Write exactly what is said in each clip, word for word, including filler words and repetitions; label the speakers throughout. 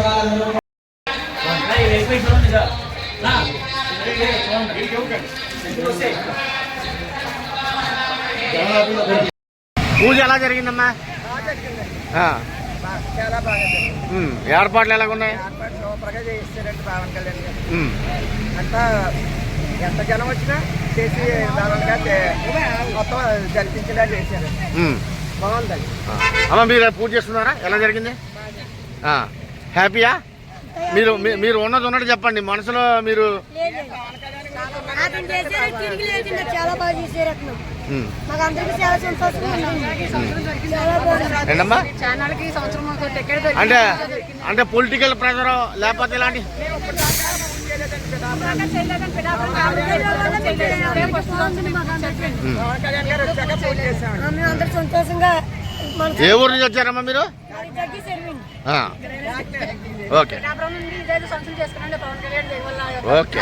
Speaker 1: పూజ ఎలా జరిగిందమ్మా?
Speaker 2: చాలా బాగా జరిగింది.
Speaker 1: ఏర్పాట్లు ఎలాగున్నాయి?
Speaker 2: ఏర్పాట్లు సూపర్గా చేయిస్తారండి పవన్ కళ్యాణ్ గారు. అంతా ఎంత జనం వచ్చినా చేసి దారుణంగా మొత్తం జరిపించేలా చేశారు. బాగుందండి.
Speaker 1: అమ్మ మీరు పూజ చేస్తున్నారా? ఎలా జరిగింది? హ్యాపీయా? మీరు మీరు ఉన్నది ఉన్నట్టు చెప్పండి. మనసులో మీరు అంటే అంటే పొలిటికల్ ప్రెజర్ లేకపోతే ఇలాంటి
Speaker 3: సంతోషంగా.
Speaker 1: ఏ ఊరు నుంచి వచ్చారమ్మా మీరు? Okay okay.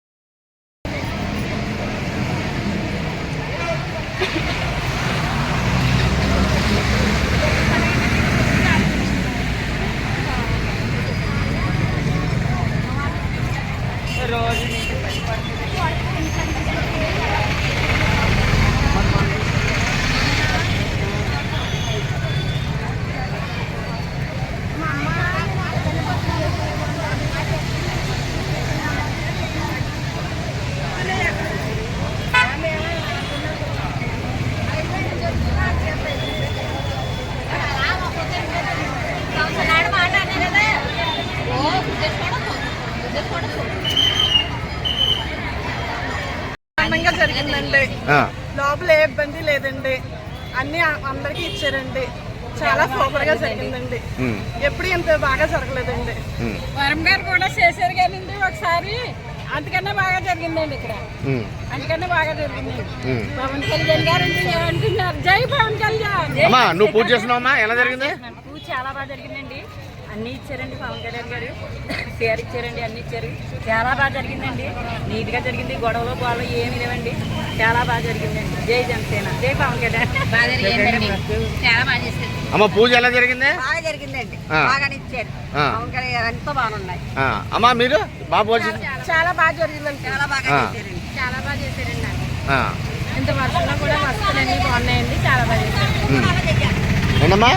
Speaker 2: ఆనందంగా జరిగిందండి. లోపల ఏ ఇబ్బంది లేదండి. అన్ని అందరికి ఇచ్చారండి. చాలా సూపర్ గా జరిగిందండి. ఎప్పుడు ఇంత బాగా జరగలేదండి. వరం గారు కూడా చేశారు కానీ ఒకసారి అంతకన్నా బాగా జరిగిందండి. ఇక్కడ అంతకన్నా బాగా జరిగిందండి. పవన్ కళ్యాణ్ గారు అంటున్నారు జై పవన్ కళ్యాణ్.
Speaker 1: నువ్వు పూజ చేస్తున్నావమ్మా? ఎలా జరిగింది?
Speaker 4: పూజ చాలా బాగా జరిగిందండి. అన్నీ ఇచ్చారండి. పవన్ కళ్యాణ్ గారు షేర్ ఇచ్చారండి. అన్ని ఇచ్చారు. చాలా బాగా జరిగిందండి. నీట్ గా జరిగింది. గొడవలు గొడవలు ఏమి లేవండి. చాలా బాగా జరిగిందండి. జై జనసేన, జై పవన్ కళ్యాణ్. బాగా జరిగిందండి. చాలా బాగా చేశారు.
Speaker 1: అమ్మ పూజ ఎలా జరిగింది?
Speaker 4: బాగా జరిగిందండి. బాగా ఇచ్చారు. పవన్ కళ్యాణ్ గారు ఎంతో బాగున్నాయి.
Speaker 1: అమ్మా మీరు బాబు
Speaker 2: చాలా బాగా జరిగిందండి.
Speaker 4: చాలా బాగా చేశారండి. చాలా బాగా చేశారండి. ఇంత వర్షంలో కూడా వస్తువులు అన్ని బాగున్నాయండి. చాలా బాగా చేశారు.
Speaker 1: ఏంటమ్మా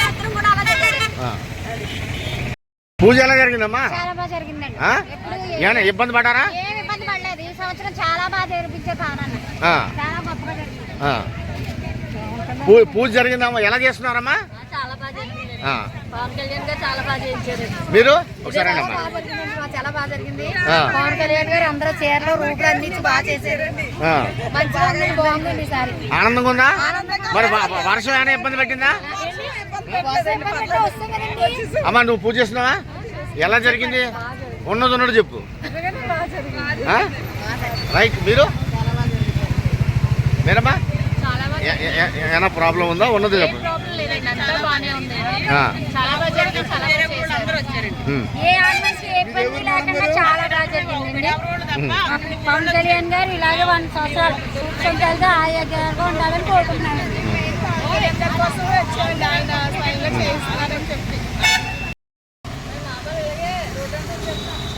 Speaker 1: పూజ ఎలా జరిగిందమ్మా?
Speaker 3: చాలా బాగా జరిగిందండి.
Speaker 1: ఏమైనా ఇబ్బంది పడ్డారా?
Speaker 3: ఏమి ఇబ్బంది పడలేదు. ఈ సంవత్సరం చాలా బాగా జరిపించారు పవన్. చాలా గొప్పగా జరిగింది.
Speaker 1: పూజ జరిగిందమ్మా? ఎలా చేస్తున్నారమ్మా?
Speaker 4: చాలా బాగా జరిగింది. పవన్ కళ్యాణ్ గారు చాలా బాగా చేయించారు.
Speaker 1: మీరు ఒకసారి
Speaker 4: చాలా బాగా జరిగింది.
Speaker 3: పవన్ కళ్యాణ్ గారు అందరూ చీరలు రూపులు అన్ని బాగా చేశారు. మంచిగా బాగుందండి. ఈసారి
Speaker 1: ఆనందంగా ఉందా? మరి వర్షం ఏమైనా ఇబ్బంది పెట్టిందా? అమ్మా నువ్వు పూజ చేస్తున్నావా? ఎలా జరిగింది? ఉన్నది ఉన్నది చెప్పు. రైట్. మీరు మీరమ్మా ఏమైనా ప్రాబ్లం ఉందా? ఉన్నది చెప్పు.
Speaker 3: పవన్ కళ్యాణ్ గారు ఇలాగే వన్ సంవత్సరాలు సంవత్సరాలుగా ఆరోగ్యంగా ఉండాలని కోరుకుంటున్నాను. ఆయన